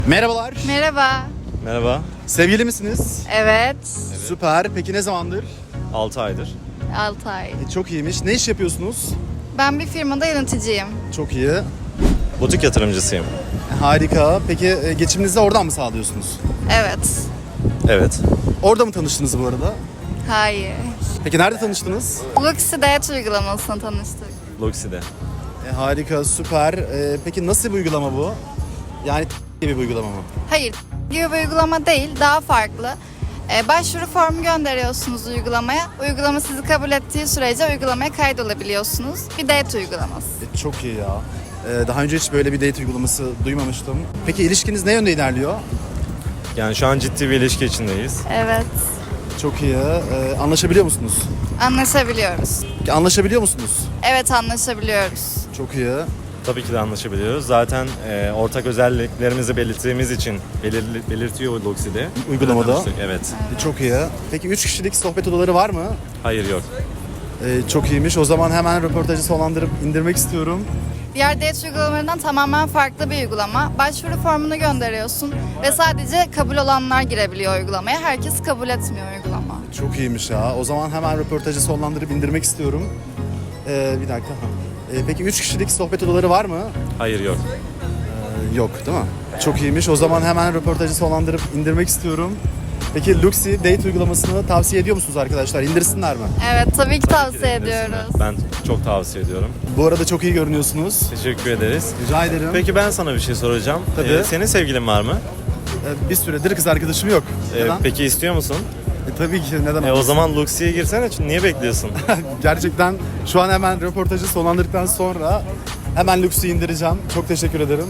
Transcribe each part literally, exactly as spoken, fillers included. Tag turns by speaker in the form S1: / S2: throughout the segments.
S1: Merhabalar.
S2: Merhaba.
S3: Merhaba,
S1: Sevgili misiniz?
S2: Evet.
S1: Süper. Peki ne zamandır?
S3: altı aydır.
S2: altı ay.
S1: E, çok iyiymiş. Ne iş yapıyorsunuz?
S2: Ben bir firmada yöneticiyim.
S1: Çok iyi. E,
S3: Butik yatırımcısıyım.
S1: harika. Peki e, geçiminizi oradan mı sağlıyorsunuz?
S2: Evet.
S3: Evet.
S1: Orada mı tanıştınız bu arada?
S2: Hayır.
S1: Peki nerede tanıştınız?
S2: Luxy Diyet uygulamasını tanıştık.
S3: Luxi'de.
S1: E, harika, süper. E, peki nasıl bir uygulama bu? Yani gibi bir uygulama mı?
S2: Hayır. Gibi bir uygulama değil. Daha farklı. Ee, başvuru formu gönderiyorsunuz uygulamaya. Uygulama sizi kabul ettiği sürece uygulamaya kaydolabiliyorsunuz. Bir diyet uygulaması.
S1: E, çok iyi ya. E, daha önce hiç böyle bir date uygulaması duymamıştım. Peki ilişkiniz ne yönde ilerliyor?
S3: Yani şu an ciddi bir ilişki içindeyiz.
S2: Evet.
S1: Çok iyi. E, anlaşabiliyor musunuz?
S2: Anlaşabiliyoruz.
S1: Anlaşabiliyor musunuz?
S2: Evet, anlaşabiliyoruz.
S1: Çok iyi.
S3: Tabii ki de anlaşabiliyoruz. Zaten e, ortak özelliklerimizi belirttiğimiz için belirli, belirtiyor Luxi'de.
S1: Uygulamada.
S3: Tanıştık, Evet.
S1: E, çok iyi. Peki üç kişilik sohbet odaları var mı?
S3: Hayır yok.
S1: E, çok iyiymiş. O zaman hemen röportajı sonlandırıp indirmek istiyorum.
S2: Diğer diyet uygulamalarından tamamen farklı bir uygulama. Başvuru formunu gönderiyorsun ve sadece kabul olanlar girebiliyor uygulamaya. Herkes kabul etmiyor uygulama.
S1: Çok iyiymiş ya. O zaman hemen röportajı sonlandırıp indirmek istiyorum. E, bir dakika. E, peki üç kişilik sohbet odaları var mı?
S3: Hayır yok.
S1: E, yok değil mi? Çok iyiymiş. O zaman hemen röportajı sonlandırıp indirmek istiyorum. Peki Luxy Date uygulamasını tavsiye ediyor musunuz arkadaşlar? İndirsinler mi?
S2: Evet, tabii ki
S3: Tabii ki de
S2: tavsiye
S3: indirsinler.
S2: ediyoruz.
S3: Ben çok tavsiye ediyorum.
S1: Bu arada çok iyi görünüyorsunuz.
S3: Teşekkür ederiz.
S1: Rica ederim.
S3: Peki ben sana bir şey soracağım.
S1: Tabii.
S3: Ee, senin sevgilin var mı?
S1: E, bir süredir kız arkadaşım yok.
S3: Ee,
S1: Neden?
S3: peki istiyor musun?
S1: E, tabii ki neden
S3: E, o
S1: olmasın?
S3: zaman Luxi'ye girsene. Çünkü niye bekliyorsun?
S1: Gerçekten şu an hemen röportajı sonlandırdıktan sonra hemen Luxy'yi indireceğim. Çok teşekkür ederim.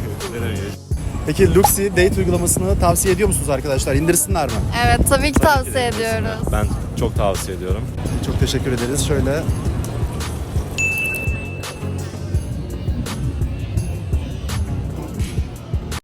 S1: Peki Luxy Date uygulamasını tavsiye ediyor musunuz arkadaşlar? İndirsinler mi?
S2: Evet, tabii ki
S3: Tabii ki de
S2: tavsiye
S3: indirsinler.
S2: ediyoruz.
S3: Ben çok tavsiye ediyorum.
S1: Çok teşekkür ederiz. Şöyle